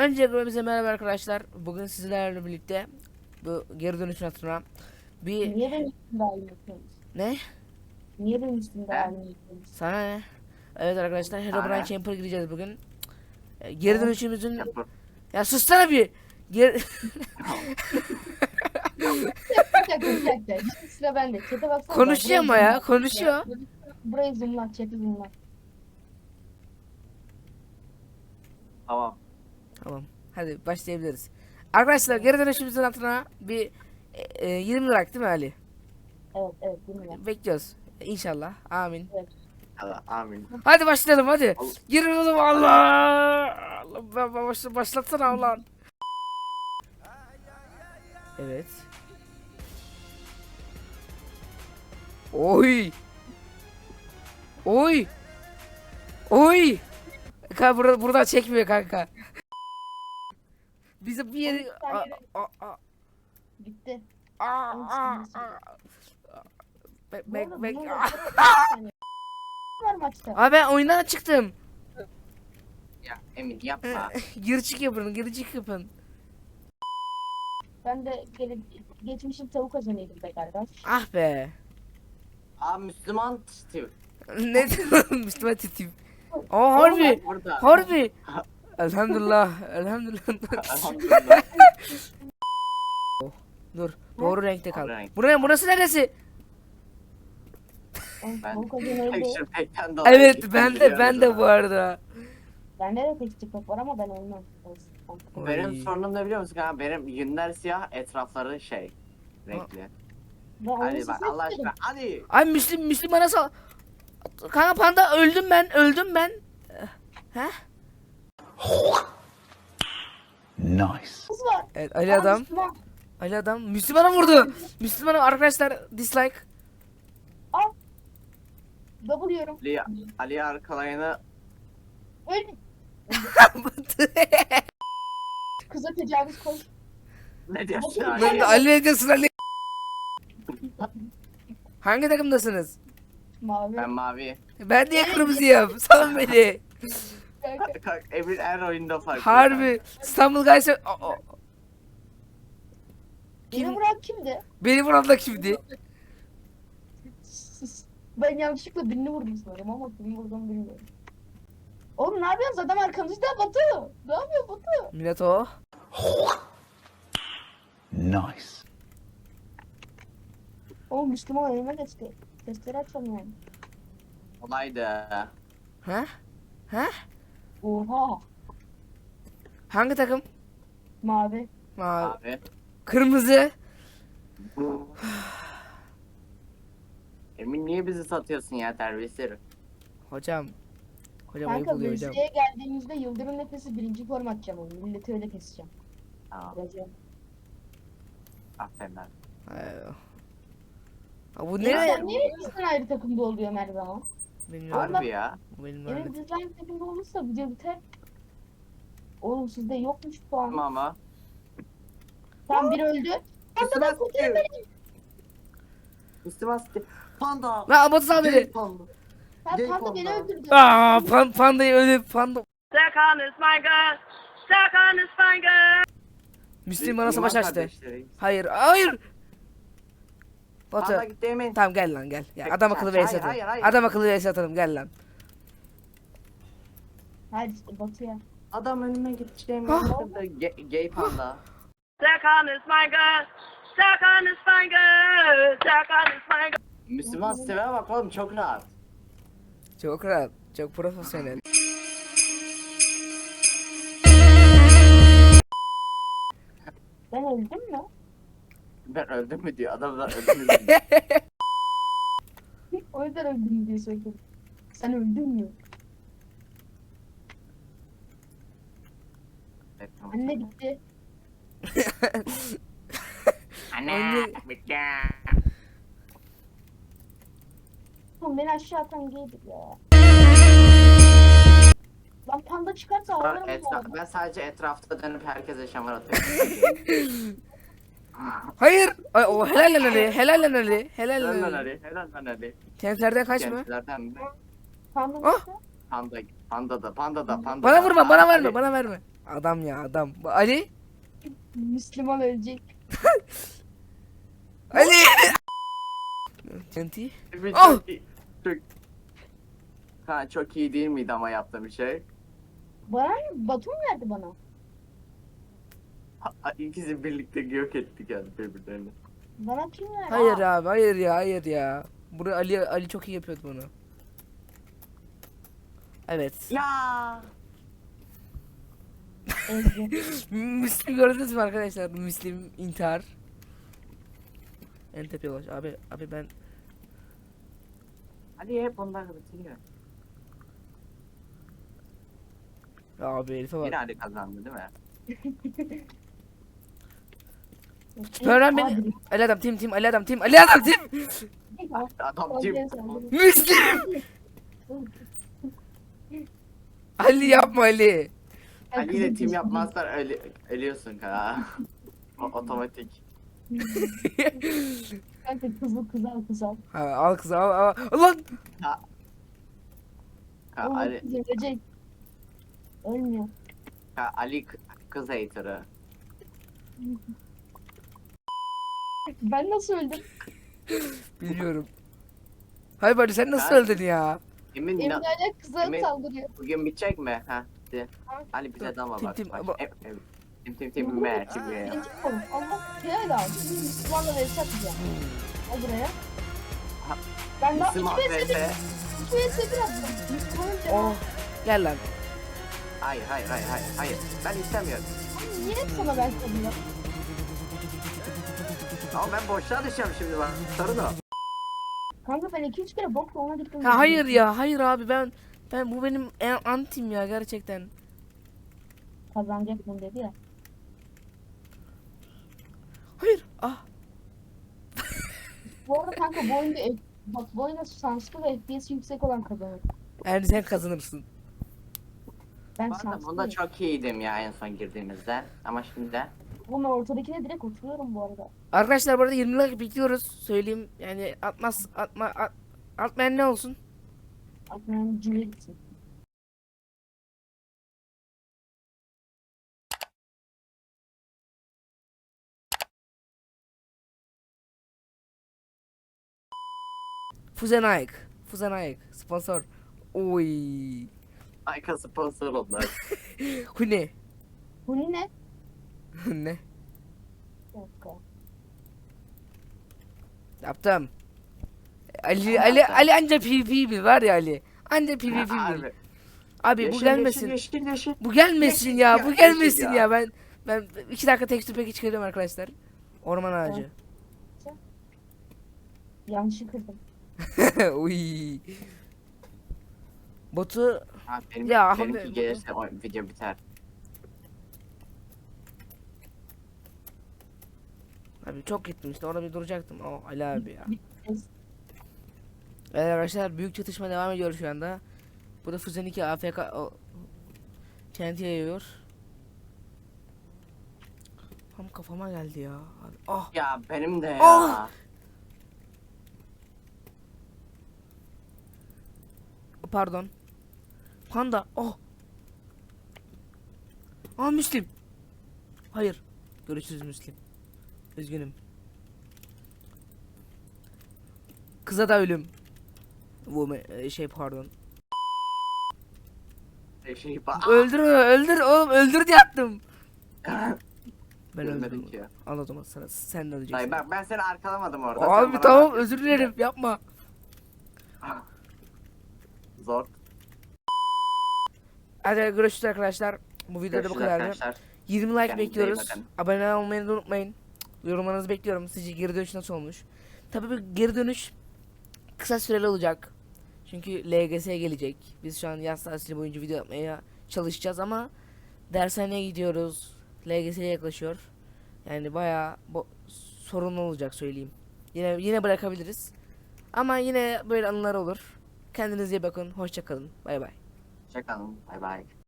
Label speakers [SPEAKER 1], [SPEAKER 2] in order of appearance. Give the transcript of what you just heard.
[SPEAKER 1] Öncelikle bize merhaba arkadaşlar. Bugün sizlerle birlikte bu geri dönüşün hatırına bir
[SPEAKER 2] Niye benim üstümde halini yapıyorsunuz?
[SPEAKER 1] ne?
[SPEAKER 2] Niye benim üstümde
[SPEAKER 3] He?
[SPEAKER 2] halini yapıyorsunuz?
[SPEAKER 1] Sana ne? Evet arkadaşlar, Herobrine
[SPEAKER 3] Sana.
[SPEAKER 1] Camper'a gireceğiz bugün. Geri
[SPEAKER 2] Tamam.
[SPEAKER 1] dönüşümüzün
[SPEAKER 3] Yapar.
[SPEAKER 1] ya sussana bir. Geri...
[SPEAKER 2] Bir dakika. Şimdi sıra bende. Çete baksana.
[SPEAKER 1] Konuşuyor ama ya,
[SPEAKER 2] Burayı
[SPEAKER 1] konuşuyor.
[SPEAKER 2] Burayı zoomla. Çete zoomla.
[SPEAKER 3] Tamam.
[SPEAKER 1] Tamam. Hadi başlayabiliriz. Arkadaşlar geri dönüşümüzün hatırına bir 20 like değil mi Ali?
[SPEAKER 2] Evet. Zoomla.
[SPEAKER 1] Bekliyoruz. İnşallah. Amin.
[SPEAKER 3] Allah, amin.
[SPEAKER 1] Hadi başlayalım hadi.
[SPEAKER 3] Allah.
[SPEAKER 1] Girin oğlum Allah. Başlatsana ulan. Evet. Oy. Oy. Oy. Kanka buradan çekmiyor kanka. Bize bir yeri
[SPEAKER 2] Bitti. Bu
[SPEAKER 1] Bek
[SPEAKER 2] arada
[SPEAKER 1] bek.
[SPEAKER 2] bunun var maçta.
[SPEAKER 1] Abi ben oyundan çıktım.
[SPEAKER 3] Ya Emin yapma.
[SPEAKER 1] Gir çık yapın, gir çık yapın.
[SPEAKER 2] Ben de geçmişim tavuk kazanıyordum be kardeş.
[SPEAKER 1] Ah be.
[SPEAKER 3] Aa Müslüman Steve.
[SPEAKER 1] Ne diyorsun Müslüman titim? Aa harbi.
[SPEAKER 3] Burada.
[SPEAKER 1] Harbi. Elhamdülillah. Elhamdülillah.
[SPEAKER 3] Elhamdülillah.
[SPEAKER 1] Dur. Doğru renkte kal.
[SPEAKER 3] Doğru renk.
[SPEAKER 1] Burası neresi?
[SPEAKER 2] Oğlum,
[SPEAKER 3] Ben
[SPEAKER 2] tavuk kazanıyordu.
[SPEAKER 3] Action Pack'ten dolayı
[SPEAKER 1] Evet
[SPEAKER 3] gittim,
[SPEAKER 1] ben
[SPEAKER 3] biliyoruz
[SPEAKER 1] de
[SPEAKER 3] ama.
[SPEAKER 1] bu arada.
[SPEAKER 2] Bende de tekstil var ama ben olmam.
[SPEAKER 3] Benim
[SPEAKER 1] Oy.
[SPEAKER 3] sorunum ne biliyor musun kanka? Benim yünler siyah, etrafları şey renkli.
[SPEAKER 2] Ben
[SPEAKER 3] Hadi
[SPEAKER 2] onu
[SPEAKER 3] bak
[SPEAKER 2] size
[SPEAKER 3] Allah
[SPEAKER 2] istedim.
[SPEAKER 3] aşkına hadi.
[SPEAKER 1] Ay Müslüm bana sal. Kanka panda öldüm ben. He?
[SPEAKER 4] Nice.
[SPEAKER 2] Kız var.
[SPEAKER 1] Evet Ali adam.
[SPEAKER 2] Müslüman.
[SPEAKER 1] Ali adam. Müslümana vurdu. Müslümana arkadaşlar dislike.
[SPEAKER 2] Al. Double yiyorum.
[SPEAKER 3] Ali arkalayanı
[SPEAKER 2] Öldüm. Kıza tecavüz koy.
[SPEAKER 3] ne diyorsun
[SPEAKER 2] Ben
[SPEAKER 3] Ali?
[SPEAKER 1] Ben de Ali ne diyorsun Ali? Hangi takımdasınız?
[SPEAKER 2] Mavi.
[SPEAKER 3] Ben mavi.
[SPEAKER 1] Ben niye kırmızıyım? Salın beni.
[SPEAKER 2] Kanka.
[SPEAKER 3] Emin her oyunda farklı.
[SPEAKER 1] Harbi. İstanbul Guys'a...
[SPEAKER 2] Beni
[SPEAKER 1] Kim?
[SPEAKER 2] vuran kimdi?
[SPEAKER 1] Beni vuran da kimdi?
[SPEAKER 2] Ben yanlışlıkla birini vurdum sanırım ama kimi vurdum bilmiyorum. Oğlum ne yapıyorsunuz? Adam arkamızda Batu. Ne yapıyor Batu?
[SPEAKER 1] Millet o.
[SPEAKER 4] Nice.
[SPEAKER 2] Oğlum Müslüman önüme geçti. Testleri açamıyorum.
[SPEAKER 3] Olaydı.
[SPEAKER 1] Ha? Ha?
[SPEAKER 2] Oha.
[SPEAKER 1] Hangi takım?
[SPEAKER 2] Mavi.
[SPEAKER 1] Mavi.
[SPEAKER 3] Abi.
[SPEAKER 1] Kırmızı.
[SPEAKER 3] Emin niye bizi satıyorsun ya terbiyesiz?
[SPEAKER 1] Hocam. Hocam ayıp
[SPEAKER 2] Kanka
[SPEAKER 1] oluyor hocam.
[SPEAKER 2] VS'ye geldiğimizde Yıldırım Nefesi birinci form atacağım onu. Milleti öyle keseceğim.
[SPEAKER 3] Tamam.
[SPEAKER 2] Yazacağım.
[SPEAKER 3] Aferin lan.
[SPEAKER 1] Bu
[SPEAKER 2] Ya
[SPEAKER 1] ne?
[SPEAKER 2] sen niye bizden ayrı takımda oluyorsun her zaman?
[SPEAKER 1] Bilmiyorum.
[SPEAKER 3] Harbi ya.
[SPEAKER 1] Bu benim
[SPEAKER 2] Evet
[SPEAKER 1] lanet.
[SPEAKER 2] bizden ayrı takımda olursa video biter. Oğlum sizde yokmuş puan.
[SPEAKER 3] Tamam ama.
[SPEAKER 2] Tam biri öldü.
[SPEAKER 3] Müslüman Steve. Müslüman Steve. Panda.
[SPEAKER 1] Lan Batu sal beni.
[SPEAKER 3] Gay panda.
[SPEAKER 2] Ha
[SPEAKER 3] Gay
[SPEAKER 2] panda beni
[SPEAKER 3] panda.
[SPEAKER 2] öldürdü.
[SPEAKER 1] Pandayı öyle panda.
[SPEAKER 5] Stuck on his finger. Stuck on his finger.
[SPEAKER 1] Müslüm bana savaş
[SPEAKER 3] İman
[SPEAKER 1] açtı.
[SPEAKER 3] kardeşleri.
[SPEAKER 1] Hayır. Batu.
[SPEAKER 3] Panda gitti Emin.
[SPEAKER 1] Tamam gel lan gel. Ya, adam akıllı
[SPEAKER 3] Hayır,
[SPEAKER 1] vs atalım.
[SPEAKER 3] hayır, hayır.
[SPEAKER 1] Adam akıllı vs atalım gel lan.
[SPEAKER 2] Hadi işte Batu'ya.
[SPEAKER 3] Adam önüme gitti Emin.
[SPEAKER 1] Ah.
[SPEAKER 3] Gay panda.
[SPEAKER 5] Stuck on his finger. Stuck on his finger. Stuck on his finger.
[SPEAKER 3] Müslüman Steve'e bak oğlum çok rahat.
[SPEAKER 1] Çok rahat. Çok profesyonel.
[SPEAKER 2] Ben öldüm mü?
[SPEAKER 3] Ben öldüm mü diyor. Adam da öldüm mü diyor.
[SPEAKER 2] O yüzden öldüm diye söyledim. Sen öldün mü?
[SPEAKER 3] Evet, tamam.
[SPEAKER 2] Anne bitti.
[SPEAKER 3] Anne. Bitti.
[SPEAKER 2] Oğlum beni aşağı atan gaydir ya. Lan panda çıkarsa ağlarım bu arada.
[SPEAKER 3] Ben sadece etrafta dönüp herkese şamar atıyorum.
[SPEAKER 1] Hayır. Ay, o helal lan Ali. Helal lan Ali. Helal
[SPEAKER 3] Helal
[SPEAKER 1] lan
[SPEAKER 3] lan
[SPEAKER 1] Ali.
[SPEAKER 3] Ali. Helal lan Ali.
[SPEAKER 1] Kentlerden kaçma.
[SPEAKER 3] Gençlerden mi?
[SPEAKER 2] Panda
[SPEAKER 1] Ah!
[SPEAKER 2] çıktı.
[SPEAKER 3] Panda da.
[SPEAKER 1] Bana vurma, bana verme,
[SPEAKER 3] Ali,
[SPEAKER 1] bana verme. Adam ya adam. Ali.
[SPEAKER 2] Müslüman ölecek.
[SPEAKER 1] Ali. TNT.
[SPEAKER 3] Bir
[SPEAKER 1] Oh!
[SPEAKER 3] çok iyi. Çok... Ha, çok iyi değil miydi ama yaptığım bir şey?
[SPEAKER 2] Bana mı? Batu mu verdi bana?
[SPEAKER 3] İkisi birlikte yok ettik yani birbirlerini.
[SPEAKER 2] Bana kim verdi?
[SPEAKER 1] Hayır abi hayır ya hayır ya. Bunu Ali çok iyi yapıyordu bunu. Evet.
[SPEAKER 3] Ya.
[SPEAKER 2] Ezgi.
[SPEAKER 1] Müslim gördünüz mü arkadaşlar? Müslim intihar. En tepeye ulaş. Abi ben
[SPEAKER 3] Ali hep bunlar bitiriyor.
[SPEAKER 1] abi herife bak.
[SPEAKER 3] Yine Ali kazandı değil mi?
[SPEAKER 1] Öğren beni. Ali adam tim Ali adam tim Ali adam tim.
[SPEAKER 3] Adam kim?
[SPEAKER 1] Müslim. Ali yapma Ali.
[SPEAKER 3] Ali ile tim yapmazsan ölüyorsun ha. Otomatik.
[SPEAKER 2] Kanka kızıl.
[SPEAKER 1] Ha, al kızı al. Lan.
[SPEAKER 3] Ha,
[SPEAKER 2] Oğlum
[SPEAKER 3] Ali,
[SPEAKER 2] kız ölecek. Ölmüyor.
[SPEAKER 3] Ali kız hater'ı.
[SPEAKER 2] Ben nasıl öldüm?
[SPEAKER 1] Bilmiyorum. Hayır Ali sen nasıl
[SPEAKER 3] Ben-
[SPEAKER 1] öldün ya?
[SPEAKER 3] Emin
[SPEAKER 2] Emre hala kıza
[SPEAKER 3] Emin-
[SPEAKER 2] saldırıyor.
[SPEAKER 3] bugün bitecek mi? Ha. Ali bize dama
[SPEAKER 1] Tim,
[SPEAKER 3] bak.
[SPEAKER 1] tim,
[SPEAKER 3] bak.
[SPEAKER 1] ama-
[SPEAKER 3] Tim mer tim mer.
[SPEAKER 2] Birinci konu. Allah helal al. Şimdi Müslümanla vs atacağım. Al buraya.
[SPEAKER 3] Ha,
[SPEAKER 2] Ben daha
[SPEAKER 3] Müslüman
[SPEAKER 2] 2 vs 1
[SPEAKER 3] vs.
[SPEAKER 2] 2 vs 1 attım. Müslümanın
[SPEAKER 1] Oh.
[SPEAKER 2] cevabı.
[SPEAKER 1] Gel lan.
[SPEAKER 3] Hayır. Ben istemiyorum.
[SPEAKER 2] Niye sana ben sanıyorum?
[SPEAKER 3] Ama ben boşluğa düşeceğim şimdi bak. Sorun o.
[SPEAKER 2] Kanka ben 2-3 kere bokla ona gittim.
[SPEAKER 1] Ha, hayır ya hayır abi ben bu benim antim ya gerçekten.
[SPEAKER 2] Kazanacak bunu dedi ya.
[SPEAKER 1] Hayır. Ah.
[SPEAKER 2] Bu arada kanka bu oyunda bak bu oyunda şanslı ve FPS yüksek olan kazanır.
[SPEAKER 1] Yani sen kazanırsın.
[SPEAKER 2] Ben
[SPEAKER 3] Bu arada bunda
[SPEAKER 2] şanslıyım.
[SPEAKER 3] çok iyiydim ya en son girdiğimizde. Ama şimdi
[SPEAKER 2] Bunun ortadakine direkt oturuyorum bu arada.
[SPEAKER 1] Arkadaşlar bu arada 20 like bekliyoruz. Söyleyeyim yani atmayan ne olsun?
[SPEAKER 2] Aklımın cümle gitsin.
[SPEAKER 1] Fuzenaik sponsor. Oy.
[SPEAKER 3] Ayka sponsor oldular.
[SPEAKER 1] Bu ne?
[SPEAKER 2] Bu ne?
[SPEAKER 1] Ne?
[SPEAKER 2] Bir dakika.
[SPEAKER 1] Yaptım. Ali anca PvP bil var ya Ali. Anca PvP bil.
[SPEAKER 3] Abi,
[SPEAKER 1] Abi bu
[SPEAKER 3] yeşil,
[SPEAKER 1] gelmesin.
[SPEAKER 3] yeşil.
[SPEAKER 1] Bu gelmesin
[SPEAKER 3] Yeşil
[SPEAKER 1] ya.
[SPEAKER 3] ya,
[SPEAKER 1] Bu
[SPEAKER 3] yeşil
[SPEAKER 1] gelmesin
[SPEAKER 3] ya.
[SPEAKER 1] ya. Ben 2 dakika tekstür peki çıkarıyorum arkadaşlar. Orman ağacı.
[SPEAKER 2] Yanlışı kırdım.
[SPEAKER 1] Uy. Botu
[SPEAKER 3] Ha,
[SPEAKER 1] Ya,
[SPEAKER 3] benimki
[SPEAKER 1] abi-
[SPEAKER 3] gelirse o video biter.
[SPEAKER 1] abi çok gittim işte orada bir duracaktım. Oh Ali abi ya.
[SPEAKER 2] Ez-
[SPEAKER 1] Evet arkadaşlar büyük çatışma devam ediyor şu anda. Bu da Füzen 2 AFK TNT yayıyor. Tam kafama geldi ya. Abi, ah
[SPEAKER 3] Ya benim de ya.
[SPEAKER 1] Oh! pardon. Panda. Oh. Aa Müslim. Hayır. Görüşürüz Müslim. Üzgünüm. Kıza da ölüm. Şey pardon. Öldür oğlum öldür diye attım. Ben
[SPEAKER 3] Ölmedim
[SPEAKER 1] öldürdüm.
[SPEAKER 3] ki.
[SPEAKER 1] Al o zaman sana sen de öleceksin.
[SPEAKER 3] Dayı bak ben seni arkalamadım orada. sen
[SPEAKER 1] Abi
[SPEAKER 3] bana
[SPEAKER 1] tamam
[SPEAKER 3] bak.
[SPEAKER 1] özür dilerim yapma.
[SPEAKER 3] Zor.
[SPEAKER 1] Hadi görüşürüz arkadaşlar. Bu videoda bu
[SPEAKER 3] Görüşürüz
[SPEAKER 1] kadardı.
[SPEAKER 3] arkadaşlar.
[SPEAKER 1] 20 like
[SPEAKER 3] Kendinize iyi
[SPEAKER 1] bekliyoruz.
[SPEAKER 3] bakın.
[SPEAKER 1] Abone olmayı da unutmayın. Yorumlarınızı bekliyorum. Sizce geri dönüş nasıl olmuş? Tabii bu geri dönüş kısa süreli olacak. Çünkü LGS gelecek. Biz şu an yaz tatili boyunca video yapmaya çalışacağız ama dershaneye gidiyoruz. LGS'ye yaklaşıyor. Yani bayağı sorunlu olacak söyleyeyim. Yine bırakabiliriz. Ama yine böyle anılar olur. Kendinize iyi bakın. Hoşça kalın. Bay bay.
[SPEAKER 3] Hoşçakalın. Bay bay.